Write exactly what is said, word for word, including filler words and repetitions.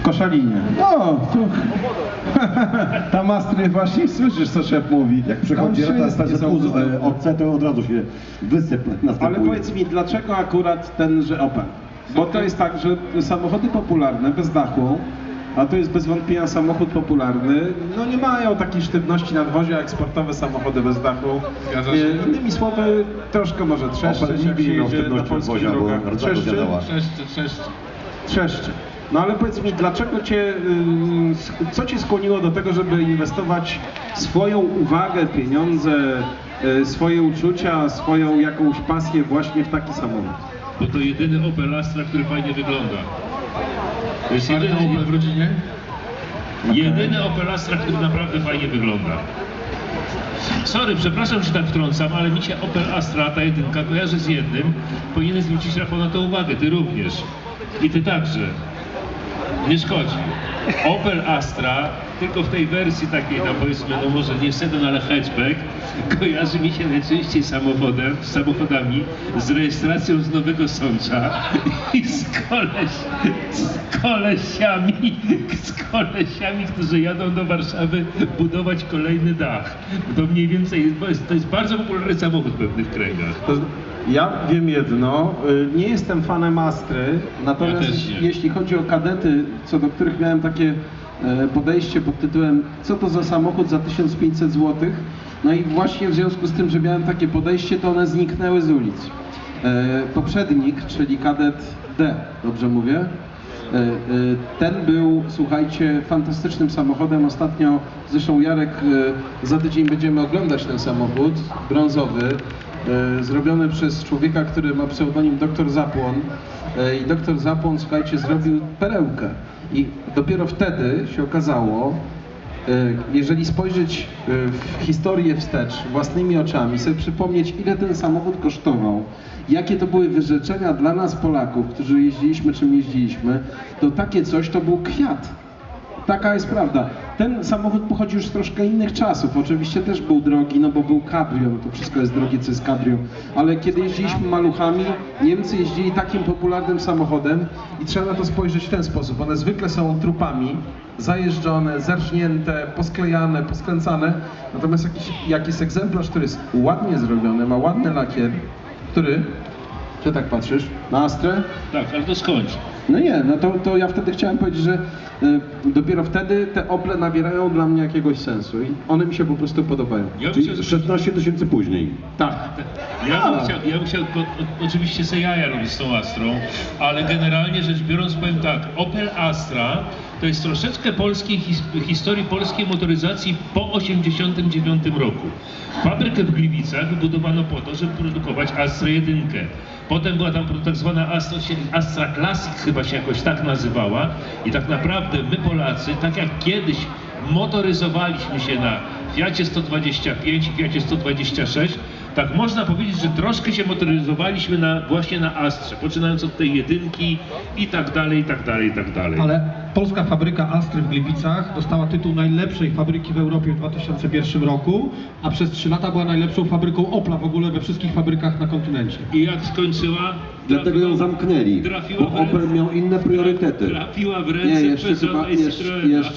Koszalinie. O, tu... Tam Astry właśnie słyszysz, co szef mówi. Jak przychodzi Tam ta stacja wszystkie są- O C, to od razu się wysyp następuje. Ale powiedz mi, dlaczego akurat tenże Opel? Bo to jest tak, że samochody popularne bez dachu, a to jest bez wątpienia samochód popularny, no nie mają takiej sztywności nadwozia jak sportowe samochody bez dachu. Zgadza się. E, Innymi słowy, troszkę może trzeszczy, Opel jak nigdy się nie miał jedzie na sztywności polskich nadwozia, bo drogach. rdza Trzeszczy? działa. Trzeszczy, trzeszczy. Trzeszczy. No ale powiedz mi, dlaczego cię, y, co cię skłoniło do tego, żeby inwestować swoją uwagę, pieniądze, y, swoje uczucia, swoją jakąś pasję właśnie w taki samochód? Bo to jedyny Opel Astra, który fajnie wygląda. To jest Czarny jedyny, Opel w rodzinie? jedyny Opel Astra, który naprawdę fajnie wygląda. Sorry, przepraszam, że tak wtrącam, ale mi się Opel Astra, ta jedynka, kojarzy z jednym. Powinien zwrócić, Rafał, na to uwagę, ty również. I ty także. Nie szkodzi. Opel Astra, tylko w tej wersji takiej, no powiedzmy, no może nie sedan, ale hatchback, kojarzy mi się najczęściej samochodem, z samochodami z rejestracją z Nowego Sącza i z, koleś, z kolesiami, z kolesiami, którzy jadą do Warszawy budować kolejny dach. To mniej więcej jest, bo jest, to jest bardzo popularny samochód w pewnych kręgach. To, ja wiem jedno, y, nie jestem fanem Astry, natomiast Ja też nie. jeśli chodzi o kadety, co do których miałem takie e, podejście pod tytułem co to za samochód za tysiąc pięćset złotych, no i właśnie w związku z tym, że miałem takie podejście, to one zniknęły z ulic. E, poprzednik, czyli kadet D, dobrze mówię? E, e, Ten był, słuchajcie, fantastycznym samochodem. Ostatnio, zresztą Jarek, e, za tydzień będziemy oglądać ten samochód, brązowy, e, zrobiony przez człowieka, który ma pseudonim doktor Zapłon. E, I doktor Zapłon, słuchajcie, zrobił perełkę. I dopiero wtedy się okazało, jeżeli spojrzeć w historię wstecz własnymi oczami, sobie przypomnieć, ile ten samochód kosztował, jakie to były wyrzeczenia dla nas Polaków, którzy jeździliśmy czym jeździliśmy, to takie coś to był kwiat. Taka jest prawda. Ten samochód pochodzi już z troszkę innych czasów. Oczywiście też był drogi, no bo był cabrio, no to wszystko jest drogie, co jest cabrio. Ale kiedy jeździliśmy maluchami, Niemcy jeździli takim popularnym samochodem i trzeba na to spojrzeć w ten sposób. One zwykle są trupami, zajeżdżone, zerżnięte, posklejane, poskręcane. Natomiast jakiś, jak jest egzemplarz, który jest ładnie zrobiony, ma ładny lakier, który... Czy tak patrzysz? Na Astrę? Tak, ale to skończ. No nie, no to, to ja wtedy chciałem powiedzieć, że y, dopiero wtedy te Ople nabierają dla mnie jakiegoś sensu i one mi się po prostu podobają. Ja bym Czyli chciał, szesnaście tysięcy później. Tak. ja bym chciał, ja bym chciał o, o, oczywiście se jaja robić z tą Astrą, ale generalnie rzecz biorąc powiem tak, Opel Astra to jest troszeczkę polskiej his, historii polskiej motoryzacji po osiemdziesiątym dziewiątym roku. Fabrykę w Gliwicach wybudowano po to, żeby produkować Astrę jedynkę. Potem była tam tak zwana Astra, Astra Classic, chyba się jakoś tak nazywała i tak naprawdę my Polacy, tak jak kiedyś motoryzowaliśmy się na Fiacie sto dwadzieścia pięć i Fiacie sto dwadzieścia sześć, tak można powiedzieć, że troszkę się motoryzowaliśmy na, właśnie na Astrze, poczynając od tej jedynki i tak dalej, i tak dalej, i tak dalej. Ale polska fabryka Astry w Gliwicach dostała tytuł najlepszej fabryki w Europie w dwa tysiące pierwszym roku, a przez trzy lata była najlepszą fabryką Opla w ogóle we wszystkich fabrykach na kontynencie. I jak skończyła? Dlatego ją zamknęli, trafiła bo w ręce- Opel miał inne priorytety. Trafiła w Nie, ręce jeszcze Peugeota chyba, i jeszcze, Citroena. jeszcze